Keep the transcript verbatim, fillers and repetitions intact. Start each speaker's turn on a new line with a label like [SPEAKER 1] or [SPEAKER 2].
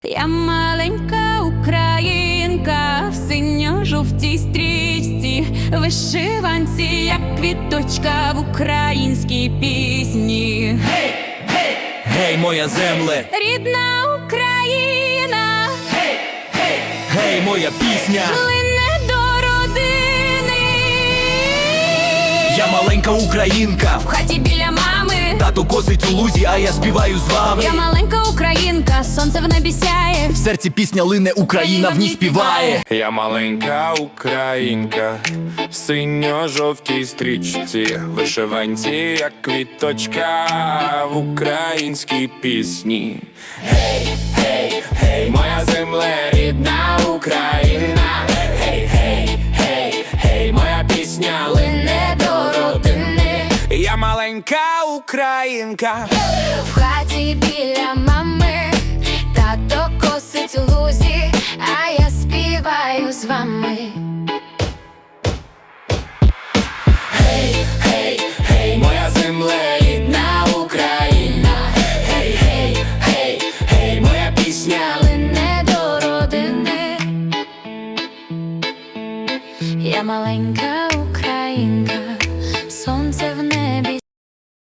[SPEAKER 1] Я маленька українка в синьо-жовтій стрічці, вишиванці, як квіточка в українській пісні.
[SPEAKER 2] Гей, гей, гей, моя земле,
[SPEAKER 1] Рідна Україна,
[SPEAKER 2] гей, гей, гей, моя пісня.
[SPEAKER 1] лине до родини.
[SPEAKER 2] Я маленька українка,
[SPEAKER 1] В хаті біля мами.
[SPEAKER 2] тато косить у лузі, а я співаю з вами.
[SPEAKER 1] Я маленька українка, сонце в небі сяє.
[SPEAKER 2] В серці пісня лине, Україна в ній співає.
[SPEAKER 3] Я маленька українка в синьо-жовтій стрічці, вишиванці, як квіточка в українській пісні. Гей, гей, гей, моя земле, рідна Україна. Гей, гей, гей, гей, моя пісня лине до родини. Я маленька українка.
[SPEAKER 4] В хаті біля мами, тато косить у лузі, а я співаю з вами.
[SPEAKER 3] Гей, гей, гей, моя земле, рідна Україна. Гей, гей, гей, гей, моя пісня
[SPEAKER 4] Лине до родини. Я маленька українка.